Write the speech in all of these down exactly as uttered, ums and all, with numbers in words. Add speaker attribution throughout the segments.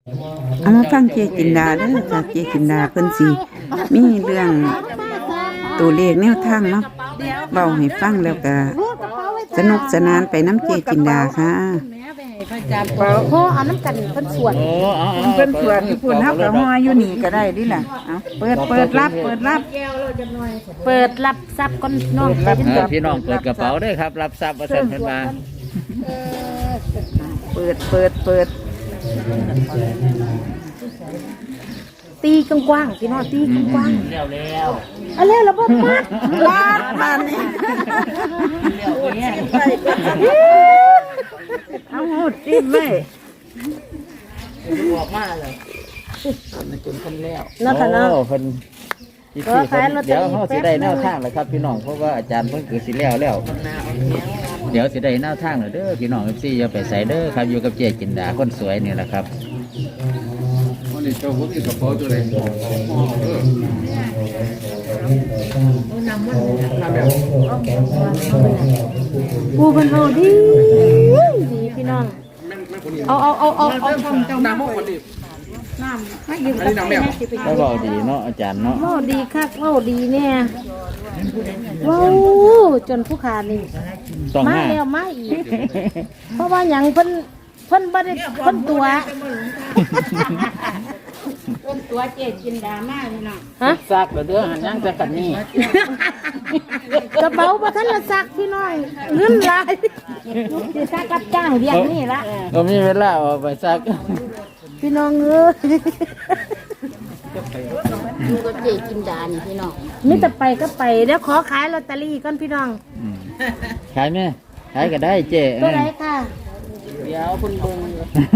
Speaker 1: เอามาฟังเจจินดาเด้อค่ะเจจินดาเพิ่นสิมีเรื่องตัวเลขแนวทางเนาะเบาให้ฟังแล้วก็สนุกสนานไปน้ำเจจินดาค่ะ
Speaker 2: โหเอาน้ำกันเพิ่นสวด
Speaker 3: โอ้เอา
Speaker 1: เพิ่นสวดที่พุ่นเฮาก็ฮออยู่นี่ก็ได้ดิล่ะเอาเปิดเปิดรับเปิดรับ
Speaker 2: เปิดรับทรัพย์ก้นน้องไปจัง
Speaker 3: เอ
Speaker 2: ซี่
Speaker 3: อพี่น้องเปิดกระเป๋าด้วยครับรับทรัพย์ประเสริฐเพิ่นมา
Speaker 1: เปิดเปิดเปิด
Speaker 2: ตีกว้างๆพี่น้องตีกว้าง
Speaker 3: แล้วแล้ว
Speaker 2: ๆอะไรล่ะบ่มัด
Speaker 1: ลาดมานี่เอาหูจิ้มเลย
Speaker 3: ออกมาเลยมันจนคนแล้ว
Speaker 2: เนาะค่ะเนาะ
Speaker 3: โอ้เพิ่นพี่พี่เพิ่นเดี๋ยวเฮาสิได้แนวทางแล้วครับพี่น้องเพราะว่าอาจารย์เพิ่นคือสิแล้วแล้วเดี๋ยวสิได้แนวทางแล้วเด้อพี่น้อง เอฟ ซี อย่าไปใส่เด้อครับอยู่กับเจจินดาคนสวยนี่แหละครับ
Speaker 4: วันนี้เจ้าพวกนี้กระเป๋าตัวไหนเออน้ำแบบ
Speaker 2: ปูเพิ่นเฮาดีดีพี่น้อง
Speaker 4: แม่งแม่งคนนี้
Speaker 2: เอาเอาเอาเอาเอาช่องเจ้า
Speaker 4: น้ำพวกคนนี้
Speaker 2: น้ำให้ยืมกับแม่สิไป
Speaker 3: แล้วเว้าดีเนาะอาจารย์เนาะ
Speaker 2: เว้าดีคักเว้าดีแน่เว้าจนผู้ขานี่
Speaker 3: ต้อง
Speaker 2: มา
Speaker 3: ห้า
Speaker 2: แล้วมาอีก เพราะว่าหยังเพิ่นเพิ่นบ่ได้เพิ่นตัวเพิ่นตัวเจจินดามากนี่น้องฮะ
Speaker 3: ซักแล้วเด้อหันยังแต่กันนี่
Speaker 2: กระเป๋าบ่ทันละซักพี่น้องเงินหลายสิซักกับจ้างเรียงนี่ละ
Speaker 3: ก็มีเวลาออกไปซัก
Speaker 2: พี่น้องเอ้ยอยู่กับเจจินดานี่พี่น้องมีแต่ไปก็ไปเดี๋ยวขอขายลอตเตอรี่ก่อนพี่น้อง
Speaker 3: อืมขายไหมขายก็ได้เจ๊
Speaker 2: ตัวไหนค่ะ
Speaker 3: เดี๋ยวคุณเบิ่ง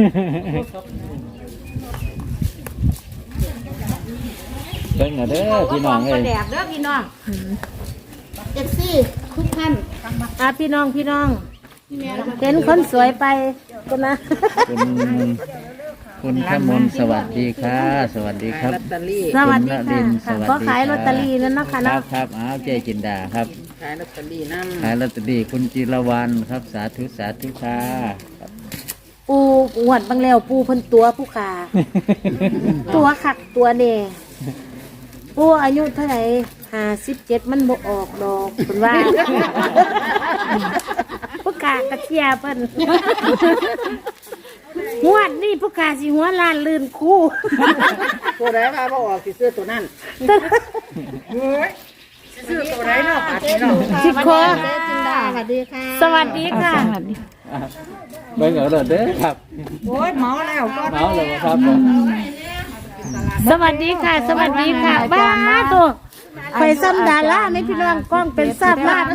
Speaker 3: เบิ่งเอาเด้อพี่น้องเอ้ย
Speaker 2: แดกเด้อพี่น้องเอฟซีทุกท่านอ่ะพี่น้องพี่น้องเห็นคนสวยไปกันนะ
Speaker 3: คุณคุณขมลสวัสดีค่ะ สวัสดีครับ
Speaker 2: สวัสดี
Speaker 3: คุณณ
Speaker 2: ค่ะ
Speaker 3: รินทร์สวัสดี
Speaker 2: ก็ขายลอตเตอรี่นั่นเนาะค่ะ
Speaker 3: ครั
Speaker 2: เนาะ
Speaker 3: บครับอ้าวเจ๊จินดาครับ
Speaker 1: ขายลอตเตอรี่นำ
Speaker 3: ขายลอตเตอรี่คุณจิรวรรณครับสาธุสาธุค่ะครับ
Speaker 2: ปูหวดบางแล้วปูเพิ่นตัวผู้ขา ตัวขักตัวเน่ปูอายุเท่าไหร่ห้าสิบเจ็ดมันบ่ออกดอกเพิ่นว่า ผู้ขากระเทียเพิ่น งวดนี่ผู้ขาสิหัวล้านลื่นคู่
Speaker 1: ตัวไหนมาบ่ออกสิซื้อตัวนั้นเฮ้ยซื้อตัวไหนเนาะปัดเนาะ
Speaker 2: สิคอ
Speaker 1: จินดาสวัสดีค่ะ
Speaker 2: สวัสดีค่ะ
Speaker 3: เบิ่งเอาเด้อเด้อครับ
Speaker 1: โอ้ยเมาแล้วก็
Speaker 3: เมาเลยครับผม
Speaker 2: สวัสดีค่ะ สวัสดีค่ะบ้าตัวไปซ้ำดาราในพี่น้องกล้องเป็นซ้ำลาด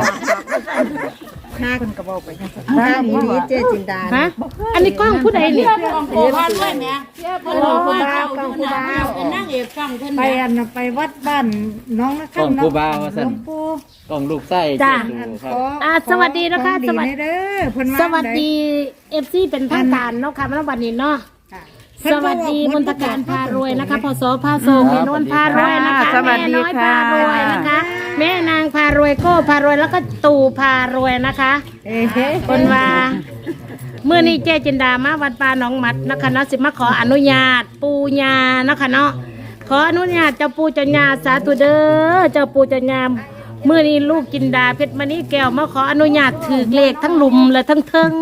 Speaker 1: ห้าคนกระบอกไปห้ามีนี้เจจินดา
Speaker 2: ฮะอันนี้กล้องผู้ใดนี่
Speaker 1: โอ้บ้านด้วยแม่โอ้บ้านกองกูบ้าเป็นนางเอกกองเพิ่นไปอันไปวัดบ้านน้องนะ
Speaker 3: กล้องผู้บ่าวว่าซั่น
Speaker 1: ปู่
Speaker 3: กล้องลูกไส้เจ๊ดูครับ
Speaker 2: อ่าสวัสดีนะคะสวัสดี
Speaker 1: เด้อเพิ่น
Speaker 2: สวัสดีเอฟซีเป็นทางการเนาะค่ะมาวันนี้เนาะสวัสดีมนตการพารวยนะคะพศพาโซเมนนพารวยนะคะแม่น้อยพารวยนะคะ แม่นางพารวยโก้พารวยแล้วก็ตู่พารวยนะคะคนว่าเมื่อนี้เจจินดามาวัดป่าหนองหมัดนะคะเนาะสิมาขออนุญาตปูญานะคะเนาะขออนุญาตเจ้าปูเจ้าญาสาธุเด้อเจ้าปูเจ้าญาเมื่อนี้ลูกจินดาเพชรมณีแก้วมาขออนุญาตถือเลขทั้งหลุมและทั้งเทิง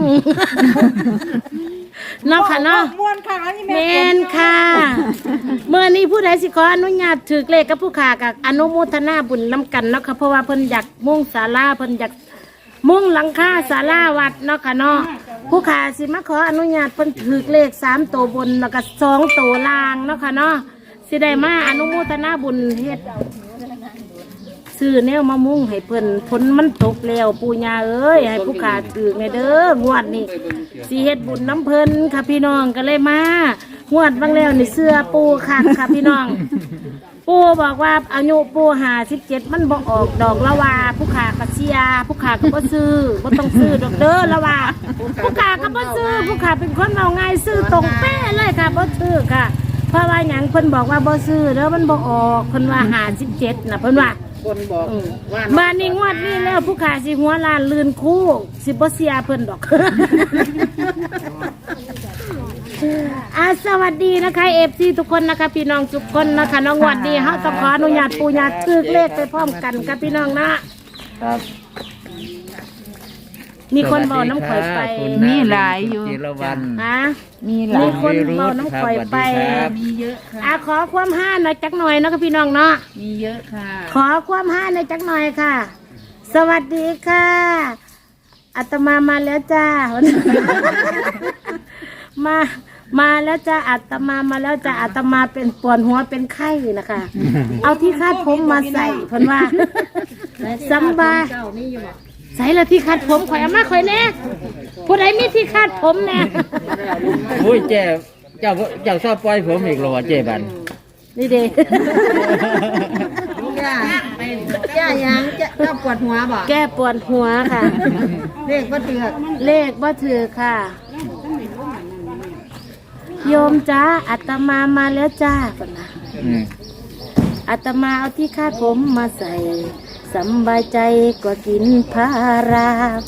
Speaker 2: เนาะค่ะเนาะ
Speaker 1: ม่วนค่ะนี่
Speaker 2: แม
Speaker 1: แม่
Speaker 2: นค่ะเมื่อนี้ผู้ใดสิขออนุญาตถือเลขกับผู้ขากับอนุโมทนาบุญน้ำกันเนาะค่ะเพราะว่าเพิ่นอยากมุ่งศาลาเพิ่นอยากมุ่งหลังคาศาลาวัดเนาะค่ะเนาะผู้ขาสิมาขออนุญาตเพิ่นถือเลขสามตัวบนแล้วก็สองตัวล่างเนาะค่ะเนาะสิได้มาอนุโมทนาบุญเฮ็ดซื้อแนวมามุ่งให้เพิ่นฝนมันตกแล้วปู่ย่าเอ้ยให้ผู้ขาถือในเด้องวดนี้สิเฮ็ดบุญน้ำเพิ่นค่ะพี่น้องก็เลยมางวดบางแล้วนี่เสื้อปูคักค่ะพี่น้อง ปูบอกว่าอายุปูหาสิบเจ็ดมันบ่ออกดอกละว่าผู้ขากระเชียผู้ขาก็บ่ซื้อบ่ต้องซื้อดอกเด้อละว่าผู้ขาก็บ่ซื้อผู้ขาเป็นคนเอาง่ายซื้อตรงเป๊ะเลยค่ะบ่ซื้อค่ะเพราะว่าหยังเพิ่นบอกว่าบ่ซื้อเด้อมันบ่ออกเพิ่นว่าหาสิบเจ็ดน่ะเพิ่นว่า
Speaker 1: คนบอกว่า
Speaker 2: มานี่งวดนี้แล้วผู้ขาสิหัวลานลื่นคู่สิบ่เสียเพิ่นดอกอาสวัสดีนะคะเอฟซีทุกคนนะคะพี่น้องทุกคนนะคะน้องวันดีเฮาต้องขออนุญาตปู่ย่าตึกเลขไปพร้อมกันกับพี่น้องนะครับ มีคนบอกน้ำข่อยไป
Speaker 1: มีหลายอยู่
Speaker 3: จิรวรรณ
Speaker 2: ฮะ
Speaker 1: มีหลา
Speaker 2: มี
Speaker 1: ย
Speaker 2: คนบอกน้ำข่อยไป
Speaker 3: ครับ
Speaker 1: มีเยอะค่ะ
Speaker 2: อาขอความห้าหน่อยจักหน่อยนะคะพี่น้องเนาะ
Speaker 1: มีเยอะค่ะ
Speaker 2: ขอความห้าหน่อยจักหน่อยค่ะ สวัสดีค่ะอาตมามาแล้วจ้า มา มาแล้วจ้าอาตมามาแล้วจ้าอาตมาเป็นปวดหัวเป็นไข้นะคะ เอาที่คาดผมมาใส่เพิ่นว่าสำบายใส่ละที่คาดผมข่อยเอามาข่อยแน่ผู้ใดมีที่คาดผมแน่
Speaker 3: อุ้ยเจ๊เจ้าเจ้าชอบปล่อยผมอีกเหรอวะเจ๊บัน
Speaker 2: นี่เด้
Speaker 5: ย่าย่ายังจะก็ปวดหัวบ่
Speaker 2: แก้ปวดหัวค่ะ
Speaker 5: เลขก็เถือก
Speaker 2: เลขบ่ถือค่ะ โยมจ้าอาตมามาแล้วจ้าก่อนนะ
Speaker 3: อืม
Speaker 2: อาตมาเอาที่คาดผมมาใส่สำบายใจกว่ากินพารา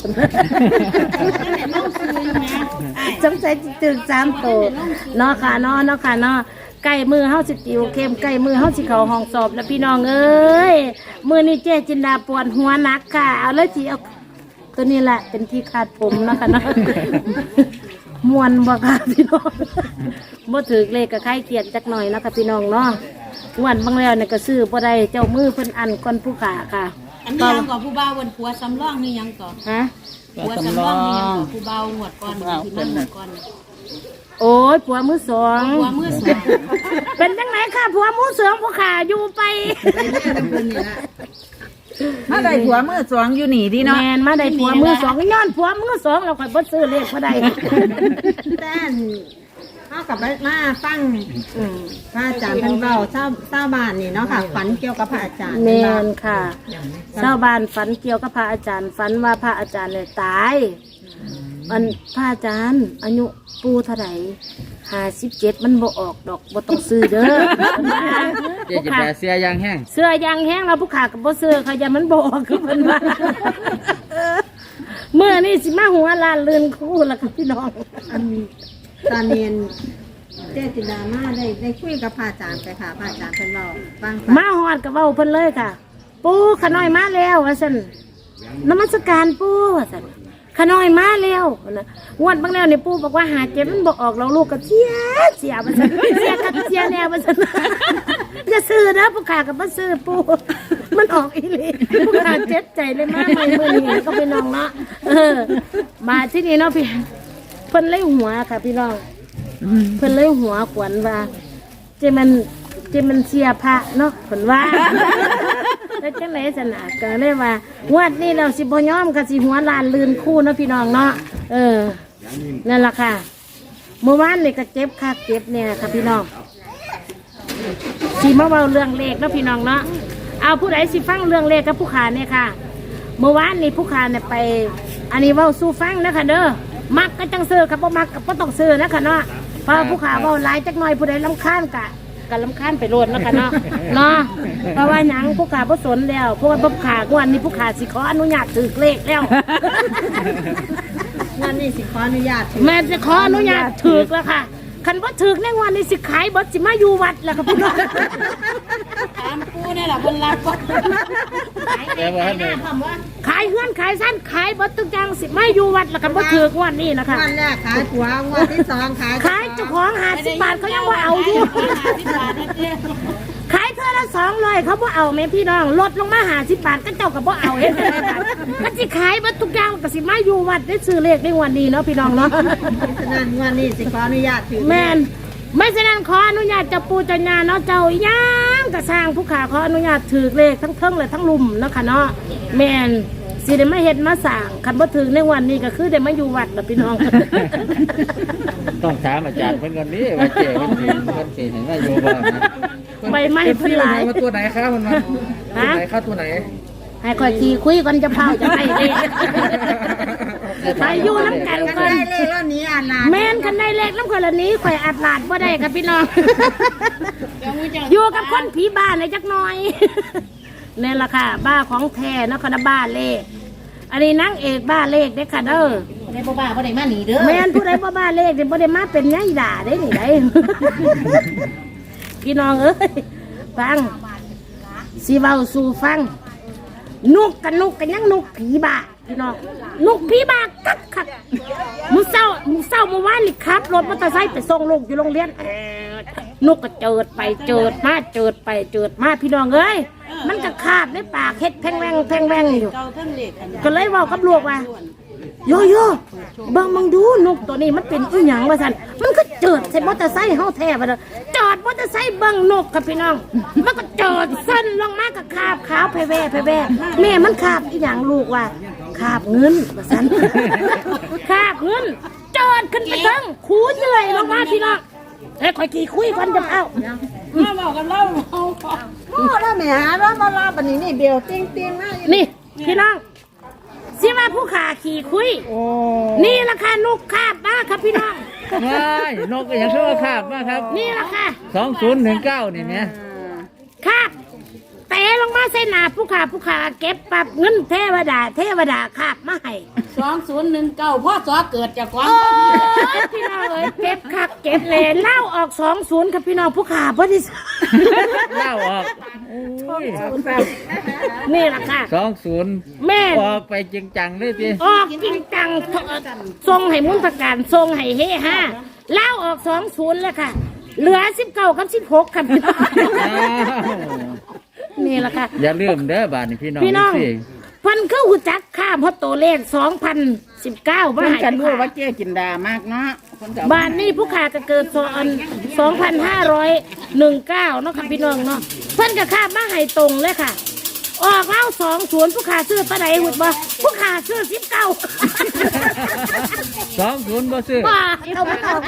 Speaker 2: จำใจตึกสามโตเนาะค่ะเนาะเนาะค่ะเนาะใกล้มือเฮาสิติวเข้มใกล้มือเฮาสิเข้าห้องสอบแล้วพี่น้องเอ้ยมือนี้เจ๊จินดาปวดหัวหนักค่ะเอาเลยสิเอาตัวนี้แหละเป็นที่คาดผมเนาะค่ะเนาะ มวนบ่ค่ะพี่น้องบ่ถือเลขกับใครเกียดจักหน่อยเนาะค่ะพี่น้องเนาะงวดบางแล้วเนี่ยก็ซื้อบ่ได้เจ้ามือเพิ่นอันก่อนผู้ขาค่ะ
Speaker 5: อันนี้ยังก่อผู้บ่าววันผัวสำรองนี่ยังก่อ
Speaker 2: ฮะ
Speaker 5: ผัวสำรองนี่ยังก่อผู้บ่าวหวดก่อนที่นั่งหวดก่อน
Speaker 2: โอ้ยผัวมือสอง
Speaker 5: ผัวมือสอง
Speaker 2: เป็นจังไหนค่ะผัวมือสองผู้ขาอยู่ไป
Speaker 1: มาได้หัวมือสองอยู่นี่ดีเนาะ
Speaker 2: แม่นมาได้ผัวมือสองย้อนผัวมือสองเราค่อยบ่ซื้อเลขบ่ได้
Speaker 5: แต่เข้ากับมาฟัง
Speaker 2: อืม
Speaker 5: พระอาจารย์เพิ่นเว้าเช้าเช้าบ้านนี่เนาะค่ะฝันเกี่ยวกับพระอาจารย์
Speaker 2: แม่นค่ะชาวบ้านฝันเกี่ยวกับพระอาจารย์ฝันว่าพระอาจารย์เนี่ยตายมันพระอาจารย์อายุปูเท่าไหร่ห้าสิบเจ็ดมันบ่ออกดอกบ่ต้องซื้อเด้อ
Speaker 3: เจ๊จิตาเสียยางแห้ง
Speaker 2: เสื้อยางแห้งแล้วผู้ขากับบ่ซื้อเขาอย่ามันบ่ออกคือเพิ่นว่าเมื่อนี่สิมาหัวลานเลือนคู่แล้วกับพี่น้อง
Speaker 5: อันตอนเรียนเจ๊จินดามาได้ได้คุยกับพระอาจารย์ไปค่ะพระอาจารย์เพิ่นเว้าฟัง
Speaker 2: มาฮอดกับเว้าเพิ่นเลยค่ะ ปู่ขน้อยมาแล้วว่าซั่นนมัสการปู่ว่าซั่นขน้อยมาแล้วนะงวดบางแล้วนี่ปู่บอกว่าหาเจ็บมันบ่ออกแล้วลูกก็เสียเสียว่าซั่นเสียกับเสียแน่ว่าซั่นอย่าซื้อนะผู้ขากับบ่ซื้อปู่มันออกอีหลีผู้ขาเจ็บใจเลยมาใหม่มื้อนี้ก็ไปน้องเนาะเออมาที่นี่เนาะพี่เพิ่นเลยหัวค่ะพี่น้องเพิ่นเลยหัวขวัญว่าเจมันเจมันเสียพระเนาะเพิ่นว่าแล้วจังไหนสนาก็เลยว่างวดนี้เราสิบ่ยอมก็สิหัวลานลืนคู่เนาะพี่น้องเนาะเออนั่นล่ะค่ะเมื่อวานนี่ก็เจ็บคักเจ็บเนี่ยค่ะพี่น้องสิมาเว้าเรื่องเลขเนาะพี่น้องเนาะเอาผู้ใดสิฟังเรื่องเลขกับผู้ขาเนี่ยค่ะ เมื่อวานนี่ผู้ขาเนี่ยไป อันนี้เว้าสู้ฟังนะคะเด้อมักก็จังซื้อครับบ่มักก็บ่ต้องซื้อนะคะเนาะเพราะผู้ขาเว้าหลายจักหน่อยผู้ใดรำคาญกะก็รำคาญไปโลดเนาะค่ะเนาะเนาะเพราะว่าหยังผู้ขาบ่สนแล้วเพราะว่าผู้ขางวดนี้ผู้ขาสิขออนุญาตถือเลขแล้ว
Speaker 5: งานนี้สิขออนุญาต
Speaker 2: แม่จะขออนุญาตถือแล้วค่ะคันบ่ถือในวันนี้สิขายบ่สิมาอยู่วัดแล้วค่ะพี่น้อง
Speaker 5: ถามปูนี่ล่ะเพิ่นรับบ่
Speaker 3: แล้วว่าเนี่ย
Speaker 2: ขายเฮือนขายสั้นขายบ่ทุกอย่างสิมาอยู่วัดแล้วกันบ่ถือกวันนี้นะคะ
Speaker 5: งานแรกขายผัวงวดที่สองขาย
Speaker 2: ขายเจ้าของห้าสิบบาทเขายังว่าเอาอยู่ขายเท่าละสองร้อยเขาบ่เอาแม่พี่น้องลดลงมาห้าสิบบาทก็เจ้าก็บ่เอาเห็นไหมก็สิขายบ่ทุกอย่างก็สิมาอยู่วัดได้ซื้อเลขในวันนี้เนาะพี่น้องเนาะ
Speaker 5: ฉะนั้นงวดนี้สิขออนุญาตถือ
Speaker 2: แม่นไม่ฉะนั้นขออนุญาตเจ้าปู่เจ้าย่าเนาะเจ้าอีหยังก็สร้างผู้ขาขออนุญาตถือเลขทั้งเทิงและทั้งลุมเนาะค่ะเนาะแม่นสิได้มาเฮ็ดมาสร้างคันบ่ถึงในวันนี้ก็คือได้มาอยู่วัดล่ะพี่น้อง
Speaker 3: ต้องถามอาจารย์เพิ่นก่อนนี้ว่าเจ๊เพิ่นสิเพิ่นสิเห็นว่าอยู่บ่นะ
Speaker 2: ใบไม้เพิ่นหลาย
Speaker 4: มาตัวไหนครับคุณมาตัวไหนครับตัวไหน
Speaker 2: ให้ค่อยขี่คุยกันจะเผาจะไปเด้ไปอยู่น้ำกันก่อน
Speaker 5: ได้เลขแล้วนี้อ่านลา
Speaker 2: แม่นคันได้เลขน้ำคนละนี้ข่อยอัดลาดบ่ได้กับพี่น้อง อยู่กับคนผีบ้านเลยจักหน่อย นี่แหละค่ะบ้าของแท้เนาะคณะบ้าเลข อันนี้นางเอกบ้าเลขเด้อค่ะเด้อ
Speaker 6: ได้บ่บ้าบ่ได้มาหนีเด้อ
Speaker 2: แม่นผู้ใดบ่บ้าเลขเดี๋ยวบ่ได้มาเป็นไงด่าได้นี่ได้ พี่น้องเอ้ยฟังสิเว้าสู่ฟังนุกกันนุกกันยังนุกผีบ้าพี่น้องนุกผีบ้ากักคักมื้อเช้ามื้อเช้าเมื่อวานนี่ขับรถมอเตอร์ไซค์ไปส่งลูกอยู่โรงเรียนแอดนุกก็เจิดไปเจิดมาเจิดไปเจิดมาพี่น้องเอ้ยมันก็คาบในปากเฮ็ดแพงแวงแพงแวงอยู่ก็เลยเว้ากับลูกว่าโยโย่บังมึงดูนกตัวนี้มันเป็นอีหยังวะสันมันก็เจิดใส่มอเตอร์ไซค์เฮาแท้ไปเลยจอดมอเตอร์ไซค์บังนกครับพี่น้องมันก็เจิดสั้นลงมากับคาบขาวไปแว่ไปแว่แม่มันคาบอีหยังลูกว่าคาบเงินวะสัน คาบเงินเจิดขึ้นไปทั้งคูเหนื่อยลงมาพี่น้องเอ้ยคอยขี่คุยกันจะเอา
Speaker 5: มาบอกกันเล่าเอาโอ้แล้วแม่หาแล้วมาลาบันนี้นี่เบลติ้งติ้งนะ
Speaker 2: นี่พี่น้องสิว่าผู้ขาขี่คุยนี่ราคานกคาบมาครับพี่น้อง
Speaker 3: ว้ายนกก็ยังชั่วคาบมากครับ
Speaker 2: นี่ราคา
Speaker 3: สองศูนย์หนึ่งเก้านี่แม่
Speaker 2: คาบเตะลงมาใส่หนาผู้ขาผู้ขาเก็บปรับเงินเทวดาเทวดาคาบมาให้
Speaker 6: สองศูนย์หนึ่งเก้าพ่อสอเกิดจากความ
Speaker 2: โอ้ยพี่น้องเอ้ยเก็บคักเก็บเลยเล่าออกสองศูนย์ครับพี่น้องผู้ขาพอดี
Speaker 3: เล่าออก
Speaker 2: นี่ราคา
Speaker 3: สองศูนย์
Speaker 2: แม่
Speaker 3: ออกไปจริงจังเลยพี่
Speaker 2: ออกจริงจังทรงให้มุนตการทรงให้เฮฮาเล่าออกสองศูนย์เลยค่ะ เหลือสิบเก้ากับสิบหกครับพี่น้องนี่แหละค่ะ
Speaker 3: อย่าลืมเด้อบาทนี่พี่น้อง
Speaker 2: พี่น้อง
Speaker 3: สิ
Speaker 2: เพันเข้าหูจักข้ามเพราะตัวเลขสองพันสิบเก้าบ้า
Speaker 1: เพิ่น
Speaker 2: น
Speaker 1: กันรู้ว่าเจ๊กินดามากเนาะเพิ่นก็
Speaker 2: บ้านนี้ผู้ขาก็เกิดสองสองพันห้าร้อยหนึ่งเก้าเนาะค่ะพี่น้องเนาะเพิ่นก็ข้ามมาให้ตรงเลยค่ะ ออกเล่าสองศูนย์ผู้ขาซื้อปะไหนหุ่นบ่ผู้ขาซื้อสิบเก้า
Speaker 3: สองศูนย์บ่ซื้อ
Speaker 2: ว้าเอามาเอา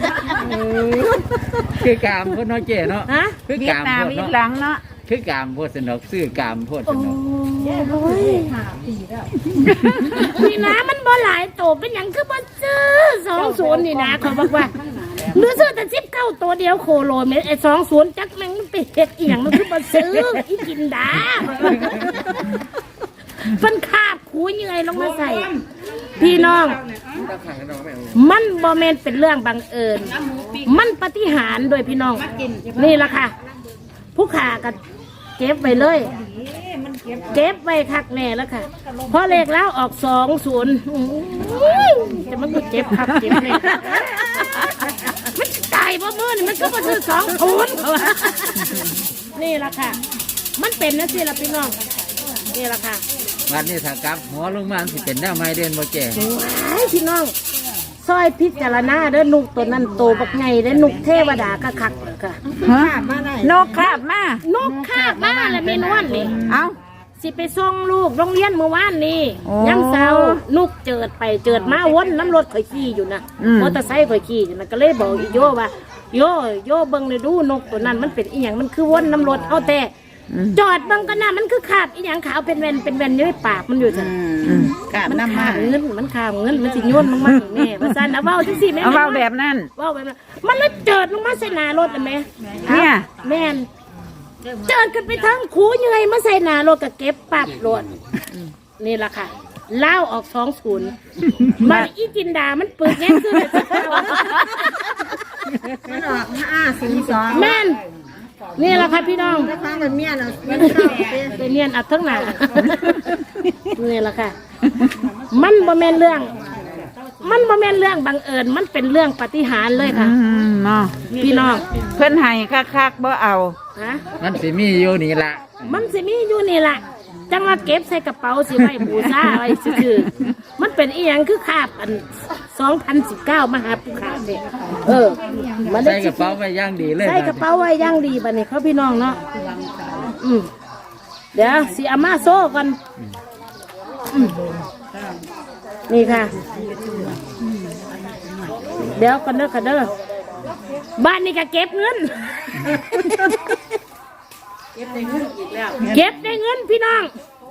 Speaker 3: คือกามพ่นเนาะเจ๊เนาะ
Speaker 2: ฮะ
Speaker 3: คือ
Speaker 1: เวีย
Speaker 3: กา
Speaker 1: ด
Speaker 3: ม
Speaker 1: นาม
Speaker 3: พ่น
Speaker 1: อี
Speaker 3: เนาะ
Speaker 1: หลังเนาะ
Speaker 3: คือกามพ่นสนอกซื้อกามพ่นสนอก
Speaker 2: โอ้ยนี่นะมันบ่หลายโตเป็นอย่างคือบ่ซื้อสองศูนย์นี่นะเขาบอกว่าหรือซื้อแต่สิบเก้าตัวเดียวโคโลเมตรไอ้สองศูนย์จักแม่งมันไปเฮ็ดอีหยังมันคือบ่ซื้ออีกินดามันคาบคูเหนื่อยลงมาใส่ พี่น้อง มันบ่แม่นเป็นเรื่องบังเอิญ มันปาฏิหาริย์โดยพี่น้อง นี่ล่ะค่ะ ผู้ขาก็เก็บไว้เลย เก็บไว้คักแน่แล้วค่ะเพราะเลขแล้วออกสองศูนย์จะมันก็เจ็บคักเจ็บเลยมันจะตายเพราะมือนี่มันก็มาซื้อสองศูนย์นี่ล่ะค่ะ มันเป็นนะสิล่ะพี่น้องนี่ล่ะค่ะ
Speaker 3: วันนี้ถ้ากลับหัวลงมาสิเป็นแนวไม้เด่นบ่เจ๊
Speaker 2: ว้ายพี่น้องซอยพิจารณาเด้อนุกตัวนั้นโตบักไงเด้อนุกเทวดาก็คักค่ะ
Speaker 1: ฮะนกคาบมาน
Speaker 2: กคาบมาแล้วมีนวลนี่
Speaker 1: เอ้า
Speaker 2: สิไปส่งลูกโรงเรียนเมื่อวานนี้
Speaker 1: โอ้
Speaker 2: ยังเสาร์นุกเจิดไปเจิดมาวนน้ำรถข่อยขี่อยู่นะ
Speaker 1: อืม
Speaker 2: มอเตอร์ไซค์ข่อยขี่อยู่นะก็เลยบอกอีโยว่าโยโยเบิ่งเลยดูนกตัวนั้นมันเป็นอีหยังมันคือวนน้ำรถเอาแต่จอดเบิ่งก็น่ามันคือขาบอีหยังขาวเป็นแว่นเป็นแว่นอยู่ในปากมันอยู่จ้ะ
Speaker 1: อืมกาบ
Speaker 2: มัน
Speaker 1: น้ำ
Speaker 2: ขา
Speaker 1: มา
Speaker 2: บเงินมันขาบเงินมันสิโยนลงมาให้แม่ว่าซั่นเอาเว้าจังซี่แม่
Speaker 1: เอาเว้าแบบนั้น
Speaker 2: เว้าแบบนั้นมันเลยเจิดลงมาใส่หน้ารถน่ะแม่
Speaker 1: เนี่ย
Speaker 2: แม่นเจิดกันไปทั้งคูเหนื่อยมาใส่หน้ารถก็เก็บปับรถนี่ล่ะค่ะเล่าออกสองศูนย์มันอีจินดามันเปิดแง่ซื้อแต่เช้า
Speaker 5: มันออกห้าสี่สอง
Speaker 2: แม่นนี่ล่ะค่ะพี่น้อง
Speaker 5: แล้วฟังกันเมียเราเงินเข้าเด้
Speaker 2: ไปเรียนอัดทั้งหนานี่ล่ะค่ะ มันบ่แม่นเรื่อง มันบ่แม่นเรื่องบังเอิญมันเป็นเรื่องปาฏิหาริย์เลยค่ะ
Speaker 1: อืมเนาะ
Speaker 2: พี่น้อง
Speaker 1: เพิ่นให้คักๆบ่เอา
Speaker 2: ฮะ
Speaker 3: มันสิมีอยู่นี่ละ
Speaker 2: มันสิมีอยู่นี่ล่ะจังว่าเก็บใส่กระเป๋าสิไว้บูชาไว้ซื่อๆมันเป็นอีหยังคือคาบอันสองพันสิบเก้ามหาปุขาเนี่ยเออมันได้
Speaker 3: ใส่กระเป๋าไว้อย่างดีเลย
Speaker 2: ใส่กระเป๋าไว้อย่างดีบัดนี้เขาพี่น้องเนาะอืมเดี๋ยวสิเอามาโซ่กันอืมนี่ค่ะ เดี๋ยวกันเด้อกันเด้อบ้านนี้ก็เก็บเงิน เก็บได้เงินอีกแล้ว เก็บได้เงินพี่น้อง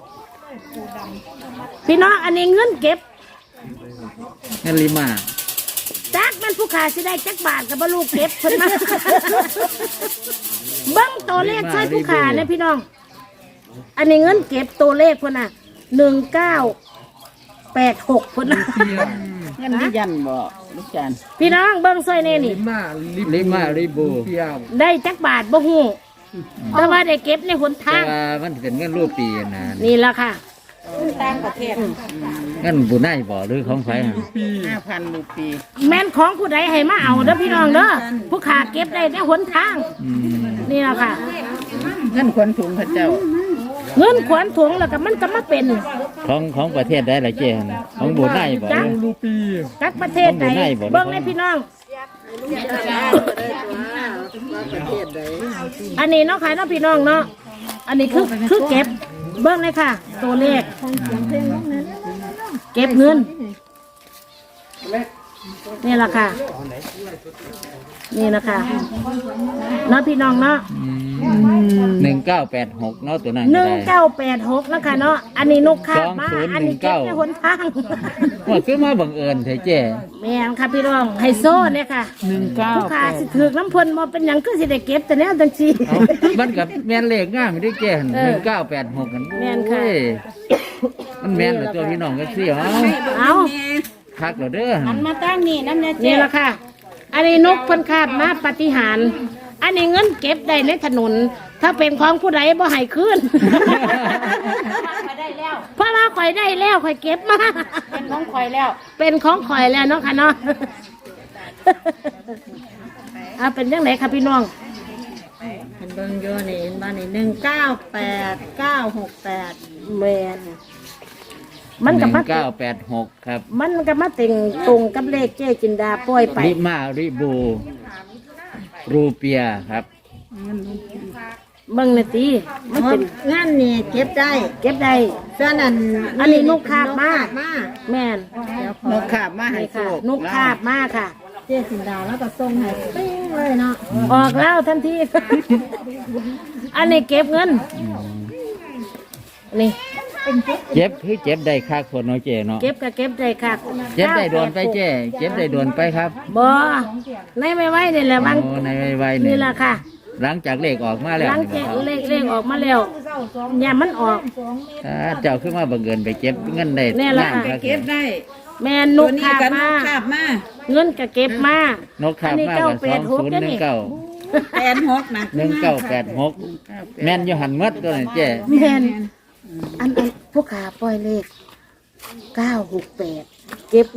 Speaker 2: พี่น้องอันนี้เงินเก็บ
Speaker 3: เงินลิมา
Speaker 2: จักมันผู้ขาสิได้จักบาทกับบลูกเก็บคนมา เบิ้งตัวเลขใช่ผู้ขาเนี่ยพี่น้อง อันนี้เงินเก็บตัวเลขคนน่ะหนึ่งเก้าแปดหกคนน่ะ
Speaker 7: เงินที่ยันบ่ลูกจาน
Speaker 2: พี่น้องเบิ่งซอยแน่นี่
Speaker 4: ลิมาลิ
Speaker 3: ลิมาริบู
Speaker 4: เปียม
Speaker 2: ได้จักบาทบ่ฮู้แต่ว่าได้เก็บในหน
Speaker 3: แต่
Speaker 2: ทาง
Speaker 3: ว่ามันเป็นเงินรูปปีนะ
Speaker 2: นี่ล่ะค่ะ
Speaker 6: ต่างประเทศ
Speaker 3: เงินบุญได้บ่หรือของไผอะ
Speaker 7: ห้าพันรูปี
Speaker 2: แม่นของผู้ใดให้มาเอาเด้อพี่น้องเด้อผู้ขาเก็บได้ในหนทาง
Speaker 3: อืม
Speaker 2: นี่ล่ะค่ะ
Speaker 7: เงินคนถุงพระเจ้า
Speaker 2: เงินขวัญถุงแล้วก็มันก็มาเป็น
Speaker 3: ของของประเทศใดล่ะเจ้ของบุญได้บ่
Speaker 2: จัก
Speaker 4: รูปี
Speaker 2: จักประเทศใด
Speaker 3: ของผู้ใดบ่
Speaker 2: เบิ่งในพี่น้อง อันนี้เนาะค่ะเนาะพี่น้องเนาะอันนี้คือคือเก็บเบิ่งเลยค่ะ ตัวเลขเก็บเงินนี่แหละค่ะ นี่นะคะเนาะพี่น้องเนาะ
Speaker 3: หนึ่งเก้าแปดหกเนาะตัวนั้น
Speaker 2: ห
Speaker 3: ก็
Speaker 2: นึ่ง
Speaker 3: ได้
Speaker 2: เก้าแปดหกนะคะเนาะอันนี้นกคาบมา
Speaker 3: สองศูนย์
Speaker 2: อันนี้เก็บ
Speaker 3: หนึ่ง
Speaker 2: ใน
Speaker 3: เก้า
Speaker 2: หนทาง
Speaker 3: ว่าคือมาบังเอิญเถอะเจ้
Speaker 2: แม่นค่ะพี่น้องไฮโซเนี่ยค่ะ
Speaker 7: หนึ่งเก้า
Speaker 2: ผู้ขาสิถือน้ำพลมาเป็นหยังก็สิได้เก็บแต่แนวจังซี่
Speaker 3: เอ้ามันกับแม่นเลขง่ายไม่ได้เจ้
Speaker 2: เอ
Speaker 3: ห
Speaker 2: อ
Speaker 3: นึ่งเก้าแปดหกกัน
Speaker 2: แม่นค่ะ
Speaker 3: โอ้ยมันแม่นเหรอตัวพี่น้องก็ซี่เอ้า
Speaker 2: เอา
Speaker 3: คักเหรอเด้อ
Speaker 6: หันมาตั้งนี่น้ำเนี่ย
Speaker 2: นี่
Speaker 6: เจ๊
Speaker 2: แหละค่ะ อันนี้นกเพิ่นคาบมาปาฏิหารย์อันนี้เงินเก็บได้ในถนน ถ้าเป็นของผู้ใดบ่ให้คืน
Speaker 6: ไปได้แล้ว
Speaker 2: เพราะว่าข่อยได้แล้วข่อยเก็บมา
Speaker 6: เป็นของข่อยแล้ว
Speaker 2: เป็นของข่อยแล้วเนาะค่ะเนาะ อ่ะเป็นยังไงครับพี่น้อง
Speaker 5: เห็นเบิ่งอยู่นี่เห็นบ้านนี่หนึ่งเก้าแปดเก้าหกแปด
Speaker 2: แมนมัน
Speaker 3: ห
Speaker 2: กับ
Speaker 3: นึ่
Speaker 2: มาง
Speaker 3: เก้าแปดหกครับ
Speaker 2: มันกับมาเต็งตรงกับเลขเจ๊จินดาปล่อยไป
Speaker 3: ลิมาริบูรูเปียครับ
Speaker 2: เบิ่งเลยตีมันเป็น
Speaker 5: งานนี่เก็บได้
Speaker 2: เก็บได้
Speaker 5: ส่วนอัน
Speaker 2: อันนี้นกคาบมา
Speaker 5: นกคบมา
Speaker 2: แม่น
Speaker 7: นกขาบมาให้
Speaker 2: นี่
Speaker 7: โช
Speaker 2: ค่ะ
Speaker 7: คน
Speaker 2: กคาบมากค่ะ
Speaker 5: เจ๊สินดาแล้วก็ส่งให้ปิ้งเลยเนาะ
Speaker 2: ออกแล้วทันที อันนี้เก็บเงิน นี่
Speaker 3: เจ็บคือเจ็บได้คักคนเนาะเจ้เนาะ
Speaker 2: เก็บก็เก็บได้ค่ะ
Speaker 3: เจ็บได้โดนไปเจ้เจ็บได้โดนไปครับ
Speaker 2: บ่ในไม่ไหวนี่แหละบาง
Speaker 3: โอ้ในไวๆ
Speaker 2: นี่
Speaker 3: นี่
Speaker 2: แหละค่ะ
Speaker 3: หลังจากเลขออกมาแล้ว
Speaker 2: หลัง
Speaker 3: นี่
Speaker 2: จาก
Speaker 3: บ่ครับ
Speaker 2: เลขเลขออกมาแล้วอย่ามันออก
Speaker 3: อ่าเจ้าขึ้นมาบังเอิญไปเก็บเงินได้
Speaker 2: แน่ละ
Speaker 3: งามครับ
Speaker 7: เก็บได้
Speaker 2: แม่น
Speaker 7: ตั
Speaker 2: ก
Speaker 7: วนี้
Speaker 2: คาบ
Speaker 7: กันน
Speaker 2: มาก
Speaker 7: ขาบมา
Speaker 2: เงินก็เก็บมาน
Speaker 3: กขาบมากกว่าสองศูนย์หนึ่งเก้า
Speaker 7: แปดหกนะ
Speaker 3: หนึ่งเก้าแปดหกแม่นอยู่หันหมัดตัวนั้นเจ้
Speaker 2: แม่นอันอันผู้ขาปล่อยเลขเก้าหกแปดเก็บ